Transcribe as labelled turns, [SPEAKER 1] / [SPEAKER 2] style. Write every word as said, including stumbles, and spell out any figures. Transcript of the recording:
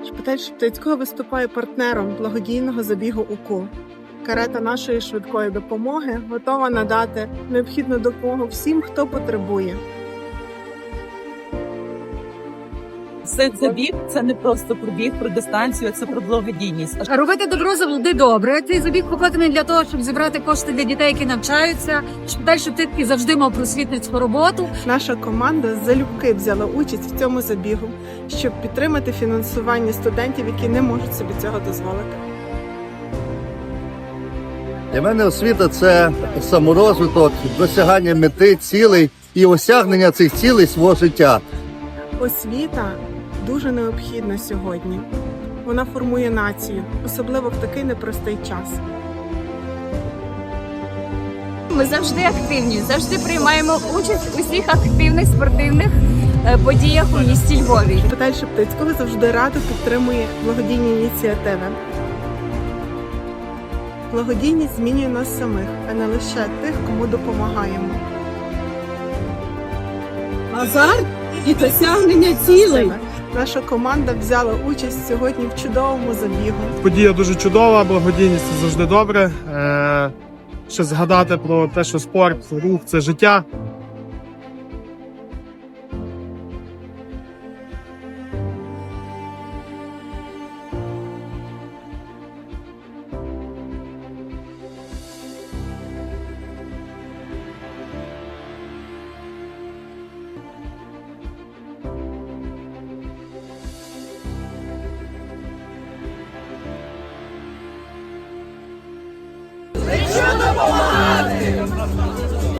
[SPEAKER 1] Шпиталь Шептицького виступає партнером благодійного забігу УКУ. Карета нашої швидкої допомоги готова надати необхідну допомогу всім, хто потребує.
[SPEAKER 2] Цей забіг – це не просто про біг, про дистанцію, це про благодійність.
[SPEAKER 3] Робити добро завжди добре. Цей забіг покладений для того, щоб зібрати кошти для дітей, які навчаються. Шпиталь Шептицький завжди мав просвітницьку роботу.
[SPEAKER 1] Наша команда залюбки взяла участь в цьому забігу, щоб підтримати фінансування студентів, які не можуть собі цього дозволити.
[SPEAKER 4] Для мене освіта – це саморозвиток, досягання мети, цілей і осягнення цих цілей свого життя.
[SPEAKER 1] Освіта дуже необхідна сьогодні. Вона формує націю, особливо в такий непростий час.
[SPEAKER 5] Ми завжди активні, завжди приймаємо участь у всіх активних спортивних подіях у місті Львові.
[SPEAKER 1] Шпиталь Шептицького завжди радо підтримує благодійні ініціативи. Благодійність змінює нас самих, а не лише тих, кому допомагаємо.
[SPEAKER 2] Азарт і досягнення цілей.
[SPEAKER 1] Наша команда взяла участь сьогодні в чудовому забігу.
[SPEAKER 6] Подія дуже чудова, благодійність – це завжди добре. Е, ще згадати про те, що спорт, рух – це життя.